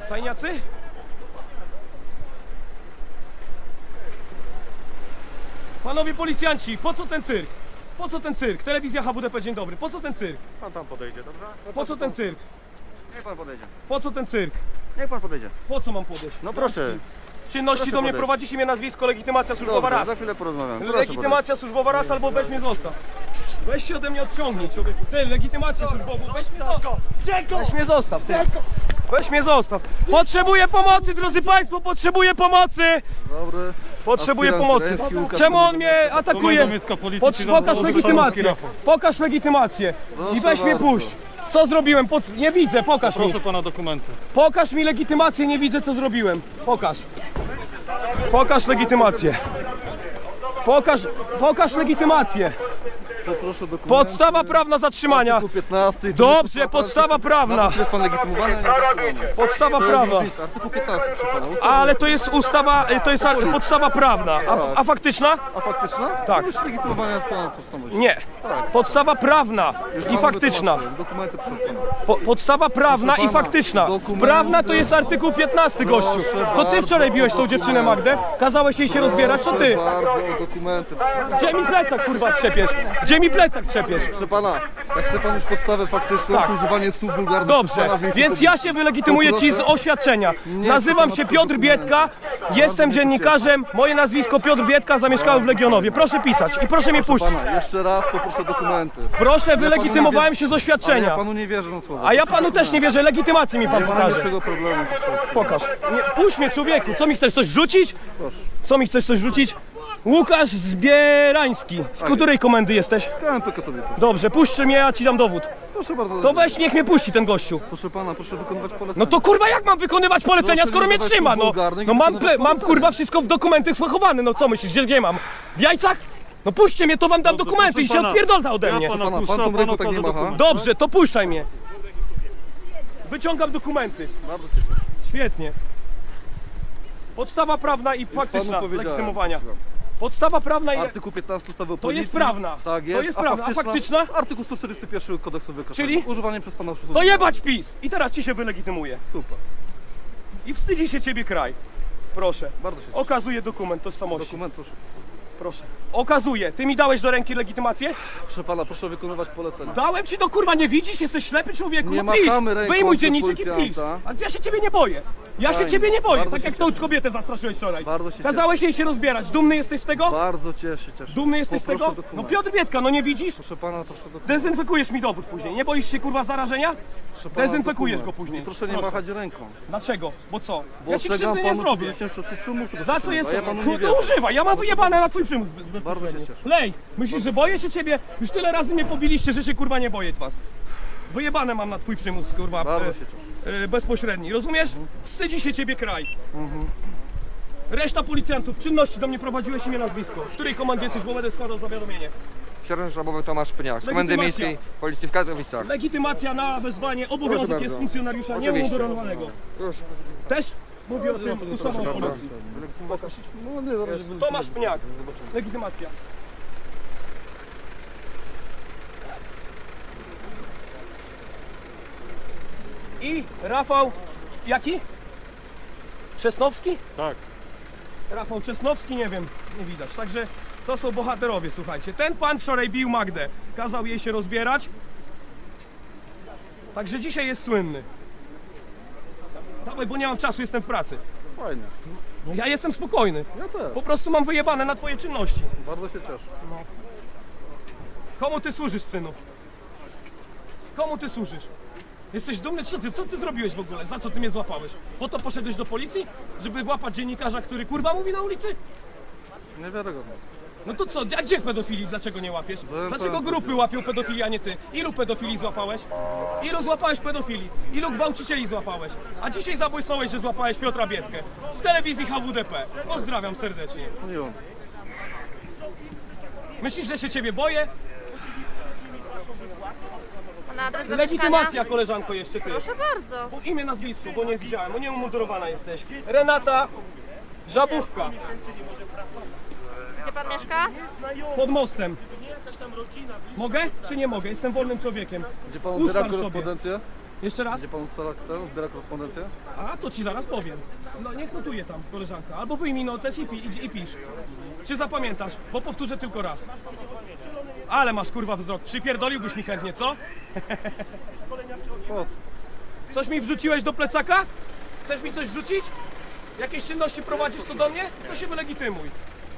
Tajniacy? Panowie policjanci, po co ten cyrk? Po co ten cyrk? Telewizja HWDP, dzień dobry. Po co ten cyrk? Pan tam podejdzie, dobrze? Po co ten cyrk? Niech pan podejdzie. Po co ten cyrk? Niech pan podejdzie. Po co mam podejść? No proszę. Czynności Proszę do mnie podejść. prowadzi imię, nazwisko, legitymacja służbowa Dobrze, raz. za chwilę porozmawiam. Proszę Legitymacja służbowa raz albo weź mnie zostaw. Weź się ode mnie odciągnij, człowieku. Ty, legitymację służbową, weź mnie zostaw. Weź mnie zostaw, ty. Weź mnie zostaw. Potrzebuję pomocy, drodzy państwo, potrzebuję pomocy. podejść. Dobry. Potrzebuję Aspirant pomocy. Krajewski, Łukasz Czemu on Mądry. mnie atakuje? Pokaż legitymację. Pokaż legitymację. I weź mnie bardzo. puść. Co zrobiłem? Nie widzę, pokaż mi. Proszę pana dokumenty. Pokaż mi legitymację, nie widzę co zrobiłem. Pokaż. Pokaż legitymację. Pokaż legitymację. Poproszę dokumenty. Podstawa prawna zatrzymania. Artykuł 15. Dobrze, podstawa prawna. Jest pan legitymowany? Nie zatrzymany. Podstawa To jest prawa. różnica. Artykuł 15 przy pana. Ustawa. Ale to jest ustawa, to jest podstawa prawna. A faktyczna? A faktyczna? Tak. Przecież legitymowanie jest pana tożsamość. Nie. Podstawa prawna i faktyczna. Dokumenty proszę pana. Podstawa prawna i pana, faktyczna. dokumenty. Prawna to jest artykuł 15, gościu. To ty wczoraj biłeś tą dziewczynę Magdę? Kazałeś jej się rozbierać, to ty. Bardzo o dokumenty. Gdzie mi plecak kurwa trzepiesz? Gdzie mi plecak trzepiesz? Proszę pana, jak chce pan już podstawę faktyczną, Tak. to używanie słów wulgarnych. Dobrze, pana w miejscu więc ja się wylegitymuję ci z oświadczenia. Nazywam się Piotr Biedka, jestem dziennikarzem, moje nazwisko Piotr Biedka, zamieszkałem w Legionowie. Proszę pisać i proszę mnie puścić. pana, jeszcze raz poproszę dokumenty. Proszę, wylegitymowałem się z Ale z ja oświadczenia. panu nie wierzę na słowo. A ja panu też nie wierzę, legitymację mi pan Nie ma pokaże. większego problemu. Proszę. Pokaż. Nie, puść mnie człowieku, co mi chcesz coś rzucić? Co mi chcesz coś rzucić? Łukasz Zbierański. Z której komendy jesteś? KMP Katowice. Dobrze, puść mnie, ja ci dam dowód. Proszę bardzo. To weź, niech mnie puści ten gościu. Proszę pana, proszę wykonywać polecenia. No to kurwa jak mam wykonywać polecenia, Proszę skoro nie mnie używać trzyma, słów no. wulgarnych, No mam, wykonywać mam polecenia. kurwa wszystko w dokumentach schowane, no co myślisz, gdzie mam? W jajcach? No puśćcie mnie, to wam dam Dobrze, dokumenty i proszę się pana. odpierdolta ode mnie. Ja pana Pana, puszczę, pan tą a ręką pan tak nie okaże macha. dokument. Dobrze, to puszczaj mnie. Wyciągam dokumenty. Bardzo się cieszę. Świetnie. Podstawa prawna i faktyczna Panu powiedziałem. legitymowania. Podstawa prawna i... Artykuł 15 ustawy o To policji. jest prawna. Tak jest. To jest prawna. A faktyczna? Artykuł 141 kodeksu wykroczeń. Czyli? Używanie przez pana oszustów. To jebać PiS! I teraz ci się wylegitymuje. Super. I wstydzi się ciebie kraj. Proszę. Bardzo się cieszę. Okazuję dokument tożsamości. Dokument proszę. Proszę. Okazuję. Ty mi dałeś do ręki legitymację? Proszę pana, proszę wykonywać polecenia. Dałem ci do kurwa, nie widzisz? Jesteś ślepy człowieku? Nie No pisz. machamy ręką Wyjmuj do dzienniczek i pisz. policjanta. Ale ja się ciebie nie boję. Ja się Fajnie. ciebie nie boję. Bardzo Tak się jak tą cieszę. kobietę zastraszyłeś wczoraj. Bardzo się Kazałeś jej się rozbierać. Dumny jesteś z tego? Bardzo cieszę. Dumny jesteś z Poproszę tego? No dokument. Piotr Biedka, no nie widzisz? Proszę pana, proszę dokument. Dezynfekujesz mi dowód później. Nie boisz się kurwa zarażenia? Proszę pana, Dezynfekujesz dokument. go później. I proszę nie machać ręką. Dlaczego? Bo co? Bo Ja ci ostrzegam krzywdy nie panu zrobię. przed środków przymusu. Za co bezpośrednio, jestem? a ja panu No nie to wierzę. używaj, ja mam wyjebane na twój przymus bezpośrednio. się cieszę. Lej, myślisz, że boję się ciebie? Już tyle razy mnie pobiliście, że się kurwa nie boję was. Wyjebane mam na twój przymus, kurwa, Bardzo się cieszę. bezpośredni, rozumiesz? Wstydzi się ciebie kraj. Reszta policjantów, czynności do mnie prowadziłeś imię, nazwisko. Z której komandy jesteś, bo będę składał zawiadomienie. Sierżant Sztabowy Tomasz Pniak z Komendy Legitymacja. Miejskiej Policji w Katowicach. Legitymacja na wezwanie, obowiązek Proszę jest bardzo. funkcjonariusza Oczywiście. nieumundurowanego. Już. Też mówię o tym ustawą o policji. Pokaż. No nie, zaraz się Tomasz Pniak, legitymacja. I Rafał, jaki? Czesnowski? Tak. Rafał Czesnowski, nie wiem, nie widać. Także to są bohaterowie, słuchajcie. Ten pan wczoraj bił Magdę, kazał jej się rozbierać. Także dzisiaj jest słynny. Dawaj, bo nie mam czasu, jestem w pracy. Fajnie. No ja jestem spokojny. Ja też. Po prostu mam wyjebane na twoje czynności. Bardzo się cieszę. Komu ty służysz, synu? Komu ty służysz? Jesteś dumny? Co ty zrobiłeś w ogóle? Za co ty mnie złapałeś? Po to poszedłeś do policji? Żeby łapać dziennikarza, który kurwa mówi na ulicy? Niewiarygodne. No to co? A gdzie pedofili? Dlaczego nie łapiesz? Byłem Dlaczego pełen grupy łapią pedofili, a nie ty? Ilu pedofili złapałeś? Ilu złapałeś pedofili? Ilu gwałcicieli złapałeś? A dzisiaj zabłysnąłeś, że złapałeś Piotra Biedkę z telewizji HWDP. Pozdrawiam serdecznie. Miło. Myślisz, że się ciebie boję? Na adres do Legitymacja, mieszkania? koleżanko, jeszcze ty. Proszę bardzo. Bo imię, nazwisko, bo nie widziałem, bo nieumundurowana jesteś. Renata Żabówka, Gdzie pan mieszka? pod mostem. Mogę czy nie mogę? Jestem wolnym człowiekiem. Gdzie pan Ustal odbiera sobie. korespondencję? Jeszcze raz? Gdzie pan ustala kto? Zbiera korespondencję? A, to ci zaraz powiem. No niech notuje tam koleżanka. Albo wyjmij notes i pisz. Czy zapamiętasz? Bo powtórzę tylko raz. Ale masz kurwa wzrok. Przypierdoliłbyś mi chętnie, co? Po co? Coś mi wrzuciłeś do plecaka? Chcesz mi coś wrzucić? Jakieś czynności prowadzisz co do mnie? To się wylegitymuj.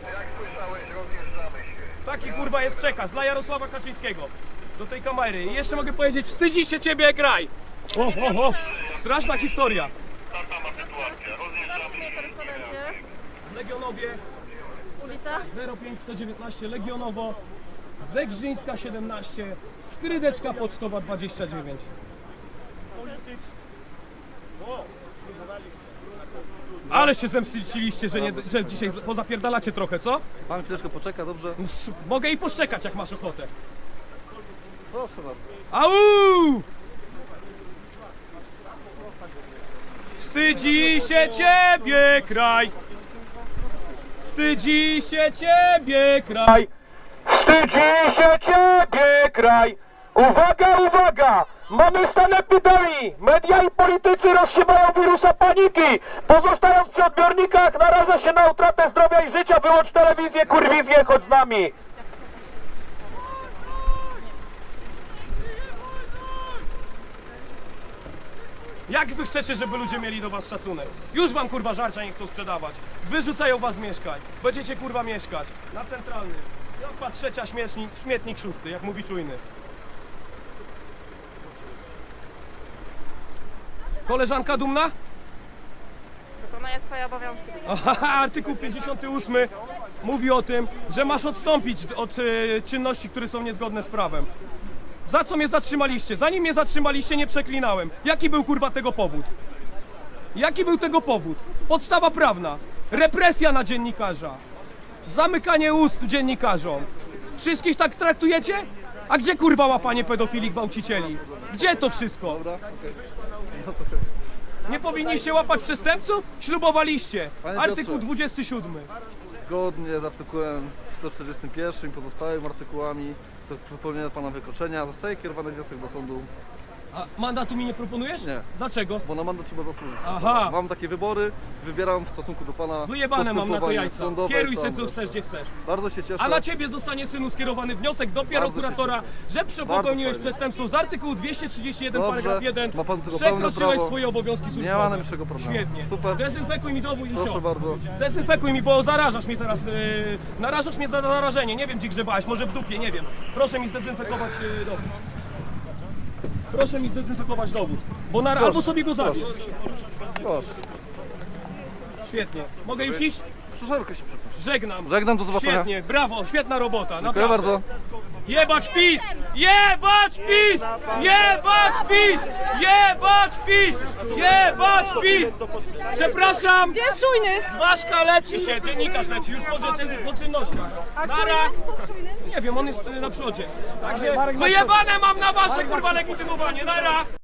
Taki kurwa jest przekaz dla Jarosława Kaczyńskiego. Do tej kamery. I jeszcze mogę powiedzieć, wstydzi się ciebie jak raj. O. Straszna historia. Otrzymuję korespondencję. Legionowie Ulica. 05119 Legionowo, Zegrzyńska 17, Skrydeczka Pocztowa 29. Ale się zemściliście, że dzisiaj pozapierdalacie trochę, co? Pan chwileczkę poczeka, dobrze? Mogę i poszczekać, jak masz ochotę. Proszę bardzo. Au! Wstydzi się ciebie kraj! Wstydzi się ciebie kraj! Wstydzi się ciebie kraj! Uwaga, uwaga! Mamy stan epidemii! Media i politycy rozsiewają wirusa paniki! Pozostając przy odbiornikach naraża się na utratę zdrowia i życia. Wyłącz telewizję, kurwizję, chodź z nami! Jak wy chcecie, żeby ludzie mieli do was szacunek? Już wam kurwa żarcia nie chcą sprzedawać. Wyrzucają was z mieszkań. Będziecie kurwa mieszkać. Na centralnym. Jampa trzecia, śmietnik szósty, jak mówi czujny. Koleżanka dumna? Wykonuję swoje obowiązki. Aha, artykuł 58 mówi o tym, że masz odstąpić od czynności, które są niezgodne z prawem. Za co mnie zatrzymaliście? Zanim mnie zatrzymaliście, nie przeklinałem. Jaki był kurwa tego powód? Jaki był tego powód? Podstawa prawna. Represja na dziennikarza. Zamykanie ust dziennikarzom. Wszystkich tak traktujecie? A gdzie kurwa łapanie pedofili, gwałcicieli? Gdzie to wszystko? Nie powinniście łapać przestępców? Ślubowaliście. Panie Artykuł Piotrze. 27. Zgodnie z artykułem 141 i pozostałymi artykułami do popełnienia pana wykroczenia zostaje kierowany wniosek do sądu, A mandatu mi nie proponujesz? Nie. Dlaczego? bo na mandat trzeba zasłużyć. Aha. Mam takie wybory, wybieram w stosunku do pana Wyjebane mam na to postępowanie jajca. sądowe, Kieruj se sądy. co chcesz, gdzie chcesz. Bardzo się cieszę. A na ciebie zostanie, synu, skierowany wniosek do prokuratora, że popełniłeś fajnie. przestępstwo z artykułu 231 Dobrze. paragraf 1. Ma pan tego pełne Przekroczyłeś prawo. swoje obowiązki służbowe. Nie ma najmniejszego problemu. Świetnie. Super. Dezynfekuj mi dowód i Proszę sio. bardzo. Dezynfekuj mi, bo zarażasz mnie teraz. Narażasz mnie za narażenie. Nie wiem, gdzie grzebałeś, może w dupie, nie wiem. Proszę mi zdezynfekować dowód. Proszę mi zdezynfekować dowód. Bo albo sobie go zabierz. Proszę. Świetnie. Mogę już iść? Szeroko się przepraszam. Żegnam. Żegnam, do zobaczenia. Świetnie, brawo, świetna robota. Dziękuję Naprawdę. bardzo. Jebać PiS! Jebać PiS! Jebać PiS! Jebać PiS! Jebać PiS! Przepraszam! Gdzie jest czujny? Zwaszka leci się, dziennikarz leci, już po czynnościach. A Nara. czujny? Co z czujnym? Nie wiem, on jest na przodzie. Także wyjebane mam na wasze kurwa legitymowanie, nara!